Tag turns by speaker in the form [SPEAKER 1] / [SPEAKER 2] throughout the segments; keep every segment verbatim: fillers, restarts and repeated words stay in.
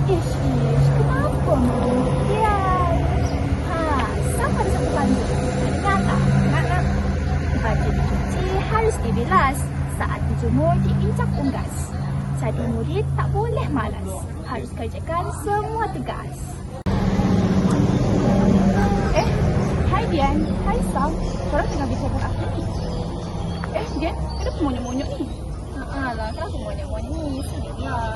[SPEAKER 1] Ish, ish, kenapa demikian? Ha, siapa ada satu pandu? Ingat tak? Nak, nak. Baju dicuci harus dibilas. Saat dijemur, diinjak unggas. Jadi murid tak boleh malas. Harus kerjakan semua tugas. Eh, hai Dian. Hai Sam. Korang tengah bicara apa ni? Eh, Dian, kenapa monyok-monyok ni? Haa lah, kenapa monyok-monyok ni? Sedihlah.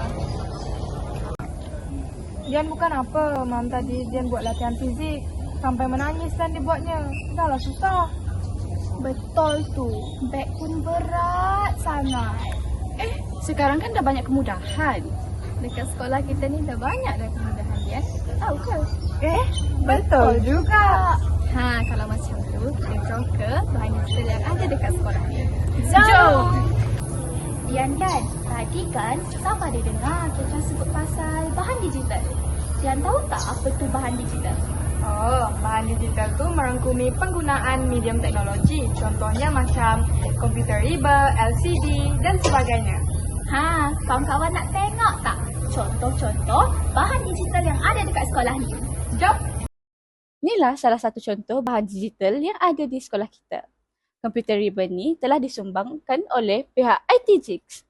[SPEAKER 2] Dian bukan apa, Mam tadi Dian buat latihan fizik sampai menangis dan dibuatnya. Dah lah susah.
[SPEAKER 1] Betul tu. Beg pun berat sangat.
[SPEAKER 3] Eh, sekarang kan dah banyak kemudahan. Dekat sekolah kita ni dah banyak dah kemudahan, ya. Tahu ke?
[SPEAKER 2] Eh, betul juga.
[SPEAKER 3] Ha, kalau macam tu, kita jom ke bahan digital yang ada dekat sekolah ni.
[SPEAKER 1] Jom! Dian kan, tadi kan Sam ada dengar kita sebut pasal bahan digital. Dian tahu tak apa tu bahan digital?
[SPEAKER 2] Oh, bahan digital tu merangkumi penggunaan medium teknologi. Contohnya macam komputer riba, L C D dan sebagainya.
[SPEAKER 1] Ha, kawan-kawan nak tengok tak contoh-contoh bahan digital yang ada dekat sekolah ni?
[SPEAKER 2] Jom!
[SPEAKER 3] Inilah salah satu contoh bahan digital yang ada di sekolah kita. Komputer ribbon ni telah disumbangkan oleh pihak I T Jigs.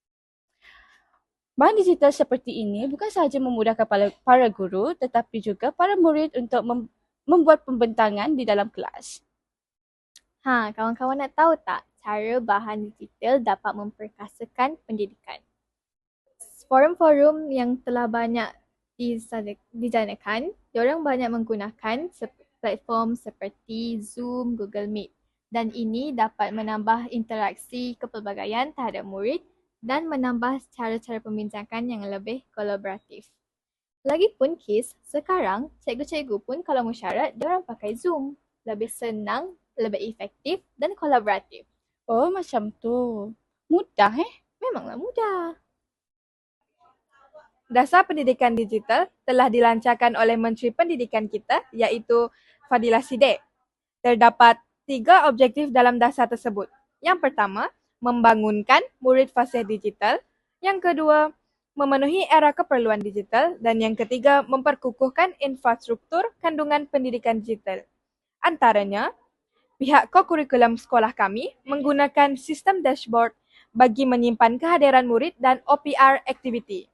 [SPEAKER 3] Bahan digital seperti ini bukan sahaja memudahkan para, para guru tetapi juga para murid untuk mem, membuat pembentangan di dalam kelas.
[SPEAKER 4] Ha, kawan-kawan nak tahu tak cara bahan digital dapat memperkasakan pendidikan? Forum-forum yang telah banyak dijanakan, diorang banyak menggunakan platform seperti Zoom, Google Meet. Dan ini dapat menambah interaksi kepelbagaian terhadap murid dan menambah cara-cara pembincangan yang lebih kolaboratif. Lagipun Kis, sekarang cikgu-cikgu pun kalau mesyuarat, diorang pakai Zoom. Lebih senang, lebih efektif dan kolaboratif.
[SPEAKER 3] Oh, macam tu. Mudah eh?
[SPEAKER 4] Memanglah mudah.
[SPEAKER 2] Dasar pendidikan digital telah dilancarkan oleh Menteri Pendidikan kita iaitu Fadilah Siddiq. Terdapat tiga objektif dalam dasar tersebut. Yang pertama, membangunkan murid fasih digital. Yang kedua, memenuhi era keperluan digital. Dan yang ketiga, memperkukuhkan infrastruktur kandungan pendidikan digital. Antaranya, pihak kokurikulum sekolah kami menggunakan sistem dashboard bagi menyimpan kehadiran murid dan O P R aktiviti.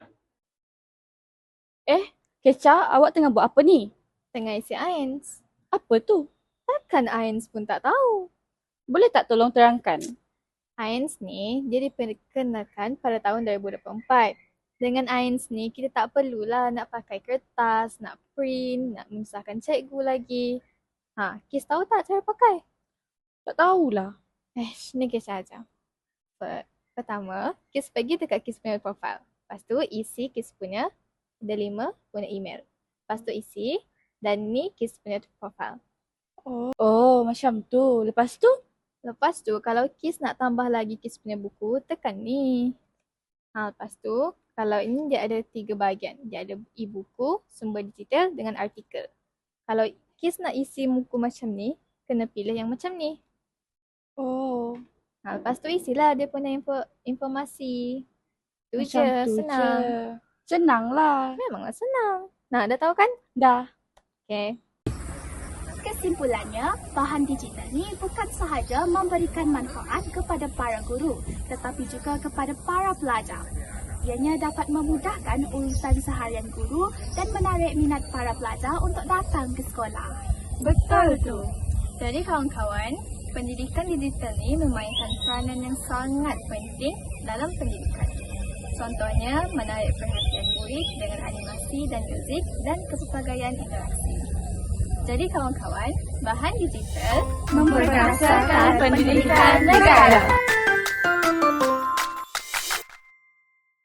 [SPEAKER 3] Eh, Keca, awak tengah buat apa ni?
[SPEAKER 4] Tengah isi A I N S.
[SPEAKER 3] Apa tu?
[SPEAKER 4] Takkan A I N S pun tak tahu.
[SPEAKER 3] Boleh tak tolong terangkan?
[SPEAKER 4] A I N S ni dia diperkenalkan pada tahun dua ribu dua puluh empat. Dengan A I N S ni kita tak perlulah nak pakai kertas, nak print, nak menyusahkan cikgu lagi. Ha, Kis tahu tak cara pakai?
[SPEAKER 3] Tak tahulah.
[SPEAKER 4] Eh, ni Kis aja. Pertama, Kis pergi dekat Kis punya profile. Lepas tu isi Kis punya delima punya email. Lepas tu isi dan ni Kis punya profile.
[SPEAKER 3] Oh, oh macam tu. Lepas tu?
[SPEAKER 4] Lepas tu, kalau Kis nak tambah lagi Kis punya buku, tekan ni. Ha, lepas tu, kalau ini dia ada tiga bahagian. Dia ada e-buku, sumber digital dengan artikel. Kalau Kis nak isi buku macam ni, kena pilih yang macam ni.
[SPEAKER 3] Oh.
[SPEAKER 4] Ha, lepas tu isilah dia punya info, informasi. Tu
[SPEAKER 3] macam
[SPEAKER 4] je,
[SPEAKER 3] tu
[SPEAKER 4] senang.
[SPEAKER 3] Je. Senang lah.
[SPEAKER 4] Memanglah senang. Nah, dah tahu kan?
[SPEAKER 3] Dah.
[SPEAKER 4] Okay.
[SPEAKER 1] Kesimpulannya, bahan digital ni bukan sahaja memberikan manfaat kepada para guru, tetapi juga kepada para pelajar. Ianya dapat memudahkan urusan seharian guru dan menarik minat para pelajar untuk datang ke sekolah.
[SPEAKER 4] Betul tu. Jadi kawan-kawan, pendidikan digital ni memainkan peranan yang sangat penting dalam pendidikan. Contohnya, menarik perhatian murid dengan animasi dan muzik dan kepelbagaian interaksi. Jadi kawan-kawan, bahan digital
[SPEAKER 1] Memperkasakan pendidikan negara.